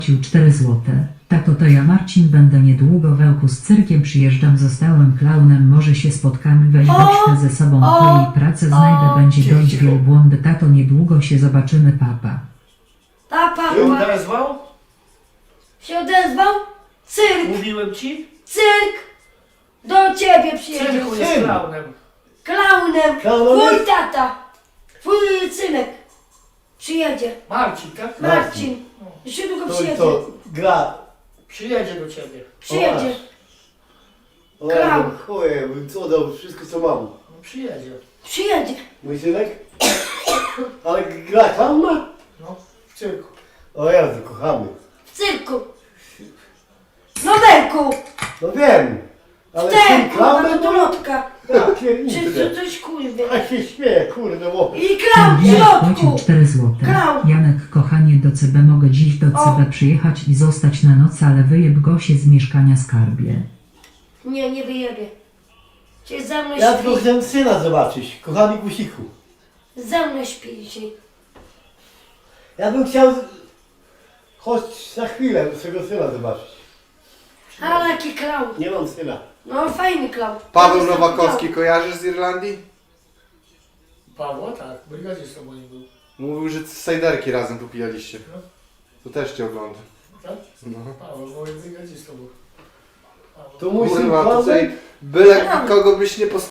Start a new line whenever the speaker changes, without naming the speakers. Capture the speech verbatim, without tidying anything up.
cztery złote. Tato, to ja Marcin będę niedługo w Ełku z cyrkiem przyjeżdżam, zostałem klaunem, może się spotkamy, weź weźmy ze sobą po jej pracę, znajdę, będzie dość wielbłądy, tato, niedługo się zobaczymy, papa.
Papa,
Się
papa.
odezwał?
Się odezwał? Cyrk,
Mówiłem ci?
cyrk. Do ciebie przyjedzie.
Cyrku jest
Syn.
klaunem.
Klaunem.
Klaunem?
Twój tata. Twój synek. Przyjedzie.
Marcin, tak?
Marcin. Jeszcze długo
To i
przyjedzie.
to gra.
Przyjedzie do ciebie.
Przyjedzie.
O,
Grał.
chuje, bym co dał, wszystko co mam.
No przyjedzie.
Przyjedzie.
Mój synek? Ale gra tam ma?
No, w cyrku.
O Jezu, kochamy.
W cyrku. No Berku.
No wiem. Ale
Te,
syn
kurwa,
klaunem?
do lotka.
Ja
Czy
pierniczę.
to coś kurwie.
A się śmieję, kurde, bo...
I klaun w
Janek płacił
środku.
cztery złote.
Grał.
Janek, kochanie, do C B mogę dziś do
O.
C B przyjechać i zostać na noc, ale wyjeb go się z mieszkania, skarbie.
Nie, nie wyjebie. Cię ze mną
Ja tylko
śpi.
chcę syna zobaczyć, kochany gusiku.
Ze mną śpi dzisiaj.
Ja bym chciał... Choć na chwilę swego syna zobaczyć.
Ale jaki klaun.
Nie mam syna.
No fajny klaun.
Paweł Nowakowski kojarzysz z Irlandii?
Pawła, tak. Brygadzistą moim był.
Mówił, że sajderki razem popijaliście. To też cię ogląda.
Tak?
No.
Paweł, moim brygadzistą był. Paweł.
To mój syn
Kurwa,
klaunem?
tutaj byle kogo byś nie postawił.